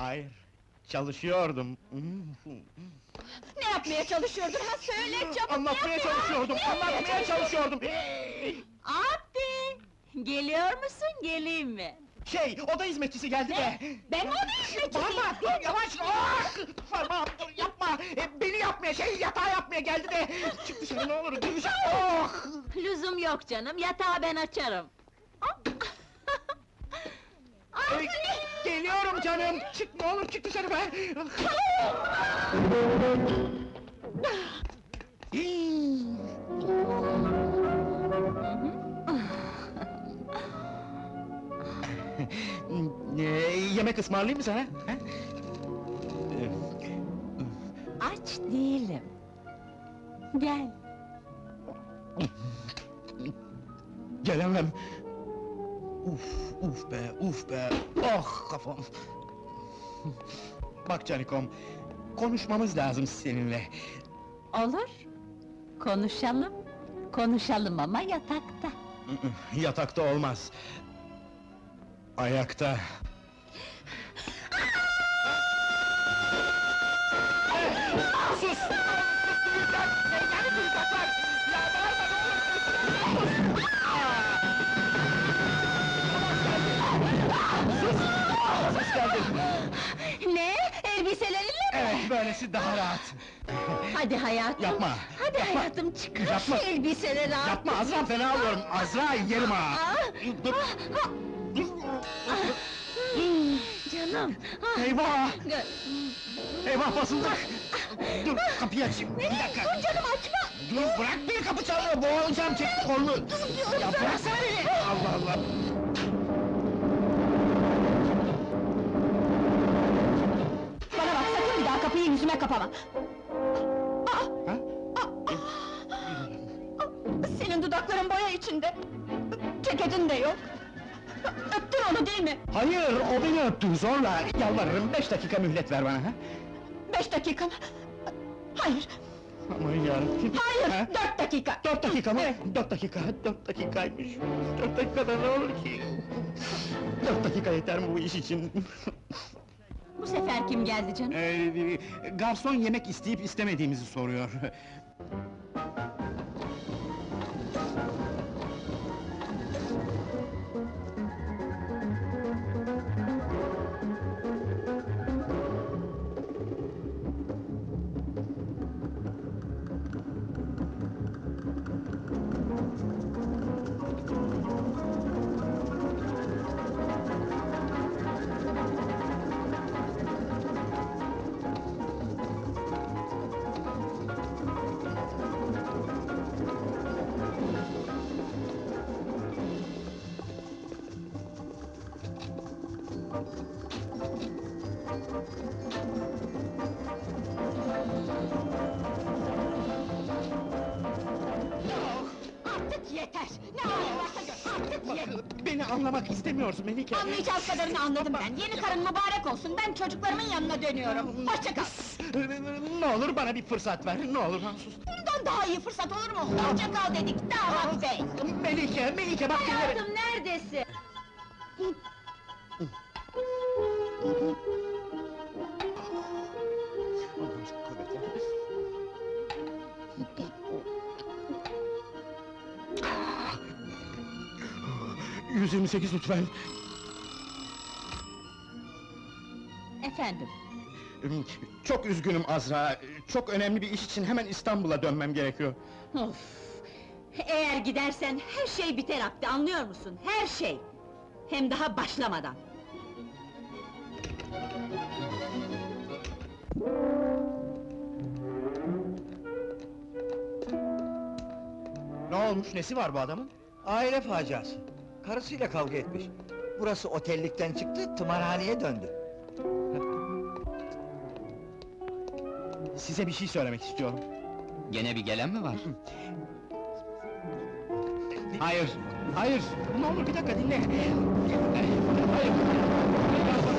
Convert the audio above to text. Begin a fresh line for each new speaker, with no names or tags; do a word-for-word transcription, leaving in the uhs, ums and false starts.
Hayır, çalışıyordum.
Ne yapmaya çalışıyordun ha? Söyle çabuk!
Anlatmaya
ne
çalışıyordum,
Ne yapmaya
anlatmaya çalışıyordum!
Abi! Geliyor musun, geleyim mi?
Şey, oda hizmetçisi geldi de!
Ben o da hizmetçisiyim!
Bağırma, dur, yavaş! Ah! Parmağım, dur, yapma! E, beni yapmaya, şey, yatağı yapmaya geldi de! Çık dışarı, ne olur, duyacak! Oh!
Lüzum yok canım, yatağı ben açarım!
E, geliyorum canım! Çık, ne olur, çık dışarı be! Hii! Ee, yemek ısmarlayayım mı sana? Ha?
Aç değilim! Gel!
Gelemem! Uf, uf be, uf be! Oh, kafam! Bak Canikom, konuşmamız lazım seninle.
Olur! Konuşalım! Konuşalım ama yatakta!
Yatakta olmaz. Ayakta. Sus! Sus! Duyacak! Yani duyacaklar! Ya bağırma ne olur! Sus! Sus geldi!
Ne? Elbiselerinle mi?
Evet, böylesi daha rahat.
Hadi hayatım!
Yapma!
Hadi
yapma.
hayatım, çıkar
Yapma.
şu elbiseleri artık!
Yapma Azra, fena alıyorum! Azra, yerim ha!
Ah!
Dur! Dur!
Canım! ah!
Eyvah!
Gö-
Eyvah basıldık! Dur, kapıyı açayım! Bir
Nereye?
dakika!
Dur canım, açma!
Dur, bırak beni, kapı çalıyor, boğulacağım, çek kolunu!
diyorum
Ya
sana!
bıraksana beni! Allah Allah!
Bana bak, sakın bir daha kapıyı yüzüme kapama!
Ha?
Senin dudakların boya içinde! Ceketin de yok! Öptün onu değil mi?
Hayır, o beni öptü, zorla! Yalvarırım, beş dakika mühlet ver bana, ha?
Beş dakika mı? Hayır,
Aman yarabbim!
hayır!
Ha?
Dört dakika!
Dört dakika mı?
Evet.
Dört dakika, dört dakikaymış! Dört dakikada ne olur ki? Dört dakika yeter mi bu iş için?
Bu sefer kim geldi canım?
Ee, garson yemek isteyip istemediğimizi soruyor.
Artık yeter! Ne halin varsa gör, artık yeter!
Beni anlamak istemiyorsun Melike!
Anlayacağız kadarını anladım ben! Yeni karın mübarek olsun, ben çocuklarımın yanına dönüyorum! Hoşça kal!
Ne olur bana bir fırsat ver, ne olur Mahsus!
Bundan daha iyi fırsat olur mu? Hoşça kal dedik, damat bey!
Melike, Melike bak dinle beni!
Hayatım, neredesin?
yüz yirmi sekiz lütfen!
Efendim?
Çok üzgünüm Azra, çok önemli bir iş için hemen İstanbul'a dönmem gerekiyor.
Of! Eğer gidersen her şey biter Abdi, anlıyor musun? Her şey! Hem daha başlamadan!
Ne olmuş, nesi var bu adamın?
Aile faciası. Karısıyla kavga etmiş. Burası otellikten çıktı, tımarhaneye döndü.
Size bir şey söylemek istiyorum.
Gene bir gelen mi var?
Hayır, hayır! Ne olur bir dakika dinle! Hayır!